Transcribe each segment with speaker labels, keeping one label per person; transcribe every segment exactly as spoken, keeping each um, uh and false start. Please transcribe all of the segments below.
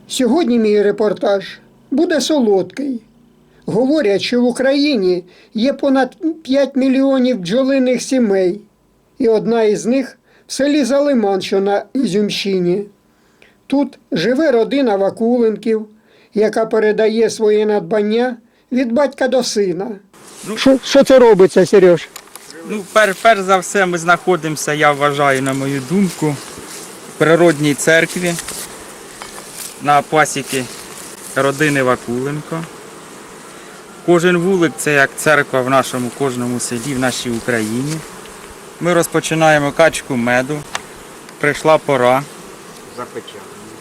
Speaker 1: Сьогодні мій репортаж буде солодкий. Говорять, що в Україні є понад п'ять мільйонів бджолиних сімей, і одна із них в селі Залиман, що на Ізюмщині. Тут живе родина Вакуленків, яка передає своє надбання від батька до сина.
Speaker 2: Ну,
Speaker 1: Що, що це робиться, Сереж?
Speaker 2: Ну, пер, перш за все, ми знаходимося, я вважаю, на мою думку, в природній церкві на пасіки родини Вакуленко. Кожен вулик – це як церква в нашому кожному селі, в нашій Україні. Ми розпочинаємо качку меду. Прийшла пора. Запечатано.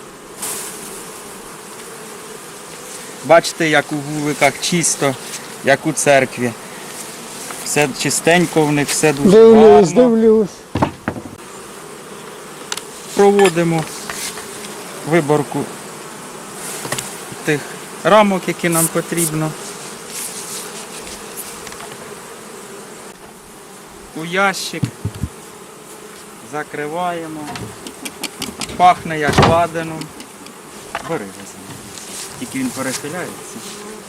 Speaker 2: Бачите, як у вуликах чисто, як у церкві. Все чистенько в них, все дуже
Speaker 1: Дивлюсь,
Speaker 2: гарно.
Speaker 1: дивлюсь.
Speaker 2: Проводимо виборку тих рамок, які нам потрібно. У ящик закриваємо. Пахне як ладаном. Бери візьми. Тільки він перехиляється.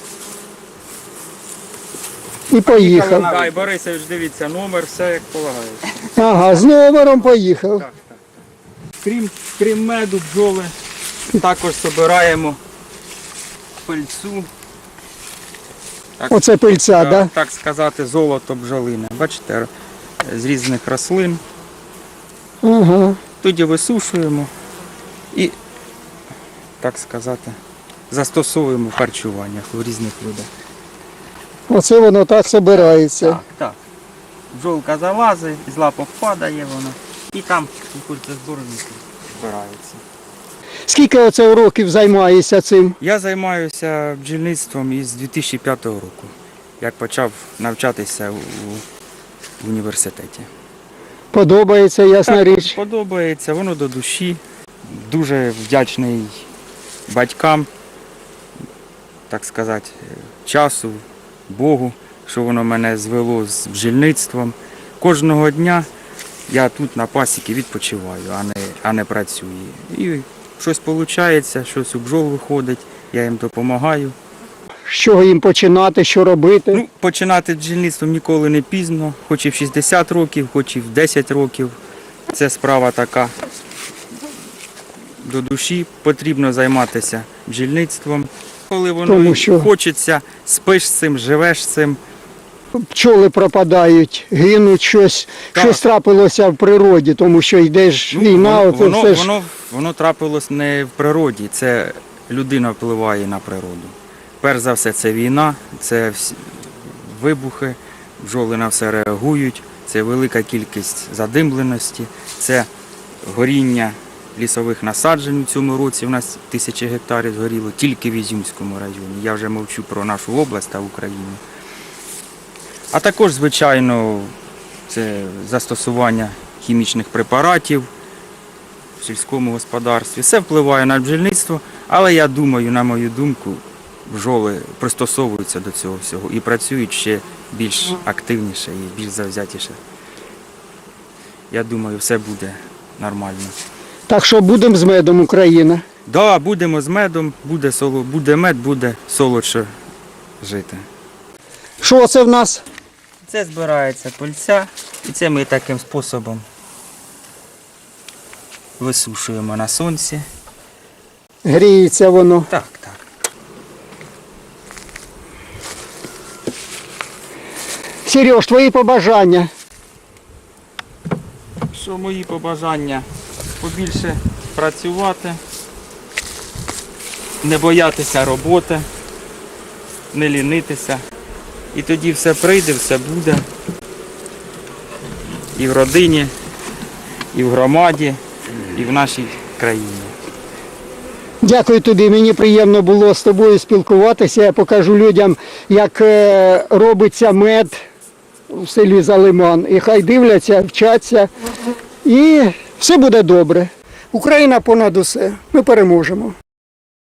Speaker 1: І поїхав.
Speaker 2: Дай, Борисович, дивіться, номер, все як полагається.
Speaker 1: Ага, з номером поїхав.
Speaker 2: Так, так, так. Крім, крім меду, бджоли, також збираємо пильцу. Так,
Speaker 1: Оце пильця, так?
Speaker 2: так,
Speaker 1: Да?
Speaker 2: так сказати, золото бджолине. Бачите, з різних рослин.
Speaker 1: Ага.
Speaker 2: Тоді висушуємо і, так сказати, застосовуємо в харчуваннях у різних видах.
Speaker 1: Оце воно так збирається.
Speaker 2: Так, так. Бджолка залазить, з лапок падає вона і там у кільцезборнику збирається.
Speaker 1: Скільки оце років займаєшся цим?
Speaker 2: Я займаюся бджільництвом із дві тисячі п'ятого року, як почав навчатися у, в університеті.
Speaker 1: Подобається, ясна
Speaker 2: Так,
Speaker 1: річ.
Speaker 2: подобається, воно до душі. Дуже вдячний батькам, так сказати, часу, Богу, що воно мене звело з бджільництвом. Кожного дня я тут на пасіки відпочиваю, а не, а не працюю. І щось виходить, щось у бджол виходить, я їм допомагаю.
Speaker 1: З чого їм починати, що робити?
Speaker 2: Ну, починати бджільництвом ніколи не пізно, хоч і в шістдесят років, хоч і в десять років. Це справа така до душі, потрібно займатися бджільництвом. Коли воно
Speaker 1: Тому що-
Speaker 2: хочеться, спиш з цим, живеш з цим.
Speaker 1: Пчоли пропадають, гинуть, щось,
Speaker 2: Так.
Speaker 1: щось трапилося в природі, тому що йде ж війна,
Speaker 2: воно,
Speaker 1: оце
Speaker 2: воно,
Speaker 1: все ж.
Speaker 2: воно, воно трапилось не в природі, це людина впливає на природу. Перш за все, це війна, це всі вибухи, бджоли на все реагують, це велика кількість задимленості, це горіння лісових насаджень у цьому році. У нас тисячі гектарів згоріло тільки в Ізюмському районі. Я вже мовчу про нашу область та Україну. А також, звичайно, це застосування хімічних препаратів в сільському господарстві. Все впливає на бджільництво, але я думаю, на мою думку, бджоли пристосовуються до цього всього і працюють ще більш активніше і більш завзятіше. Я думаю, все буде нормально.
Speaker 1: Так що будемо з медом, Україна.
Speaker 2: Так, да, будемо з медом, буде, соло, буде мед, буде солодше жити.
Speaker 1: Що це в нас?
Speaker 2: Це збирається пильця, і це ми таким способом висушуємо на сонці.
Speaker 1: Гріється воно.
Speaker 2: Так, так.
Speaker 1: Сереж, твої побажання.
Speaker 2: Що мої побажання? Побільше працювати, не боятися роботи, не лінитися. І тоді все прийде, все буде. І в родині, і в громаді, і в нашій країні.
Speaker 1: Дякую тобі, мені приємно було з тобою спілкуватися. Я покажу людям, як е, робиться мед в селі Залиман. І хай дивляться, вчаться. І все буде добре. Україна понад усе. Ми переможемо.